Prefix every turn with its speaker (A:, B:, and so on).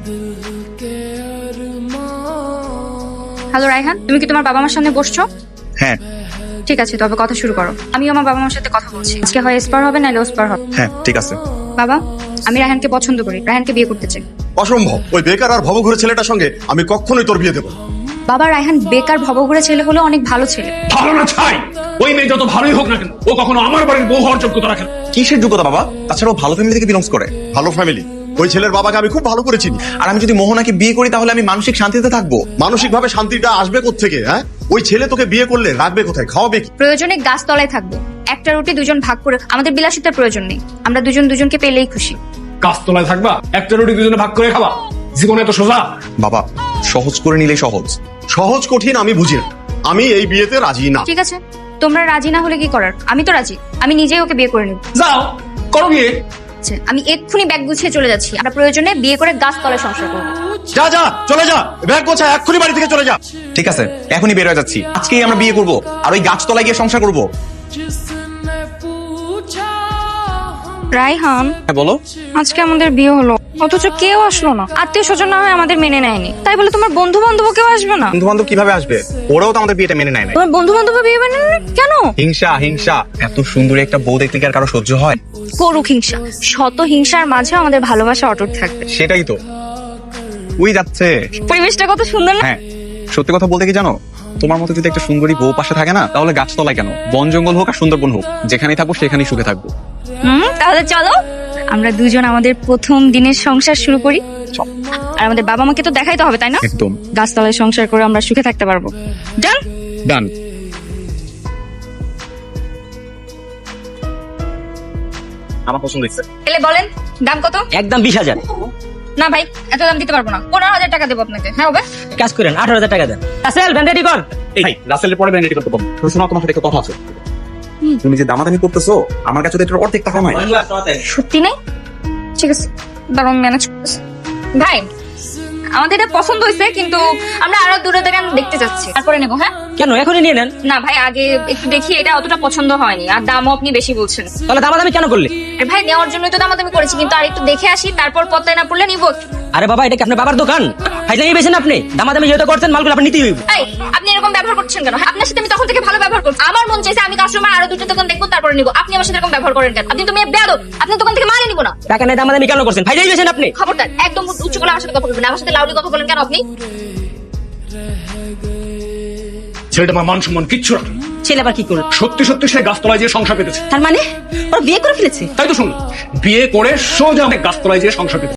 A: Hello Raihan, তুমি কি তোমার বাবা মার সামনে বসছো?
B: হ্যাঁ
A: ঠিক আছে, তবে কথা শুরু করো। আমি আমার বাবা মার সাথে কথা বলছি। আজকে হয় এসপার হবে না ওসপার হবে।
B: হ্যাঁ ঠিক আছে।
A: বাবা, আমি রায়হানকে পছন্দ করি, রায়হানকে বিয়ে করতে চাই।
C: অসম্ভব, ওই বেকার আর ভবঘুরে ছেলেটার সঙ্গে আমি কখনোই তোর বিয়ে দেবো না।
A: বাবা, রায়হান বেকার ভবঘুরে ছেলে হলো অনেক ভালো ছেলে।
D: ধারণা ছাই। ওই মেয়ে যত ভালোই হোক না কেন, ও কখনো আমার বাড়ির বউ হওয়ার যোগ্যতা রাখে না।
B: কিসের যোগ্যতা বাবা? তাছাড়া ও ভালো ফ্যামিলি থেকে বিলংস করে।
C: ভালো ফ্যামিলি, ওই ছেলের বাবাকে আমি খুব ভালো করে চিনি।
B: আর আমি যদি মোহনাকে বিয়ে করি তাহলে আমি মানসিক শান্তিতে থাকবো।
C: মানসিক ভাবে শান্তিটা আসবে কোত্থেকে? হ্যাঁ, ওই ছেলে তোকে বিয়ে করলে রাখবে কোথায়, খাওয়াবে কি?
A: প্রয়োজনে গাছতলায় থাকবো, একটা রুটি দুজন ভাগ করে। আমাদের বিলাসিতার প্রয়োজন নেই, আমরা দুজন দুজনকে পেলেই খুশি।
D: গাছতলায় থাকবা, একটা রুটি দুজনে ভাগ করে খাবা। জীবনে এত সোজা?
B: বাবা, সহজ করে নিলেই সহজ।
C: সহজ কঠিন আমি বুঝি না, আমি এই বিয়েতে রাজি না।
A: ঠিক আছে, তোমরা রাজি না হলে কি করার, আমি তো রাজি। আমি নিজেই ওকে বিয়ে করে নেব।
D: যাও করো গিয়ে।
A: আচ্ছা, আমি এক্ষুনি ব্যাগ গুছিয়ে চলে যাচ্ছি। আমরা প্রয়োজনে বিয়ে করে গাছতলায় সংসার করবো।
C: যা যা, চলে যা, ব্যাগ গোছা, এক্ষুনি বাড়ি থেকে চলে যা।
B: ঠিক আছে, এখনই বের হয়ে যাচ্ছি। আজকেই আমরা বিয়ে করব আর ওই গাছতলায় গিয়ে সংসার করব।
A: রায়হান,
B: হ্যাঁ বলো।
A: আজকে আমাদের বিয়ে হলো, অথচ কেউ আসলো না। আত্মীয় স্বজন না হয় আমাদের মেনে নেয়নি, তাই বলে তোমার বন্ধু বান্ধব কেউ আসবে না?
B: বন্ধু বান্ধব কিভাবে আসবে? ওরাও তো আমাদের বিয়েটা মেনে নেয় না।
A: তোমার বন্ধু বান্ধব বিয়ে মেনে নেয় না? কেন?
B: হিংসা হিংসা। এত সুন্দরী একটা বউ দেখলে কি আর কারো সহ্য হয়?
A: করুক হিংসা, শত হিংসার মাঝেও আমাদের ভালোবাসা অটুট থাকবে।
B: সেটাই তো। ওই যাচ্ছে।
A: পরিবেশটা কত সুন্দর না?
B: হ্যাঁ, সত্যি কথা বলতে কি জানো, তোমার মতো যদি একটা সুন্দরী বউ পাশে থাকে না, তাহলে গাছতলায় কেন, বন জঙ্গল হোক আর সুন্দরবন হোক, যেখানেই থাকবো সেখানেই সুখে থাকবো।
A: তাহলে চলো আমরা দুজন আমাদের প্রথম দিনের সংসার শুরু করি।
B: চল।
A: আর আমাদের বাবা মাকে তো দেখাইতে হবে, তাই না?
B: একদম।
A: গাছতলায় সংসার করে আমরা সুখে থাকতে পারবো। ডান
B: ডান। আমার পছন্দ হয়েছে।
A: এলে বলেন দাম কত?
E: একদম 20,000।
A: না ভাই, এত দাম দিতে পারবো না। 15,000 টাকা দেবো আপনাকে। হ্যাঁ হবে?
E: কাজ করেন 18,000 টাকা দেন। রাসেল ভ্যান রেডি কর।
B: এই রাসেলের পরে ব্যান্ড রেডি করতে পারবো। শোনো, তোমার সাথে একটা কথা আছে। তুমি যে দামাদামি করতেছো, আমার কাছে তো এটার অর্ধেক টাকা নাই।
A: সত্যি নেই? ঠিক আছে, দাঁড়ান ম্যানেজ করতেছি। ভাই, আমাদের এটা পছন্দ হয়েছে, কিন্তু আমরা আরো দূরে থেকে দেখতে যাচ্ছি, তারপরে নেবো। হ্যাঁ
E: কেন এখনই নিয়ে নেন?
A: না ভাই, আগে একটু দেখি। এটা অতটা পছন্দ হয়নি, আর দামও আপনি বেশি বলছেন।
E: তাহলে দামাদামি কেন করলে?
A: আরে ভাই, নেওয়ার জন্যই তো দামাদামি করেছি, কিন্তু আর একটু দেখে আসি, তারপর পত্তায় না পড়লে নিবো।
E: আরে বাবা, এটা কি আপনার বাবার দোকান? ফাইজলামি বেছেন আপনি। দামাদামি যেহেতু করছেন, মালগুলো আপনি নিতেই হইব।
A: এই, আপনি এরকম ব্যবহার করছেন কেন? হ্যাঁ, আপনার সাথে আমি তখন থেকে ভালো ব্যবহার করছি। আমার মন চাইছে আমি কাস্টমার আরো দুটো দোকান দেখবো, তারপরে নিবো। আপনি আমার সাথে এরকম ব্যবহার করেন কেন? আপনি তো মেয়ে বেয়াদব, আপনার দোকান থেকে মালই নিবো না।
E: টাকা নেই, দামাদামি কেন করছেন? ফাইজলামি বেছেন আপনি।
A: খবরদার, একদম উচ্চ গলায় আমার সাথে কথা বলবেন না। আমার সাথে লাউডলি কথা বলেন কেন আপনি?
D: ছেলেটা আমার মান সম্মান কিচ্ছু রাখে না।
E: ছেলে আবার কি করলো?
D: সত্যি সত্যি সে গাছতলায় যেয়ে সংসার পেতেছে।
E: তার মানে ওরা বিয়ে করে ফেলেছে?
D: তাই তো শুনুন, বিয়ে করে সোজা গাছতলায় যেয়ে সংসার পেতেছে।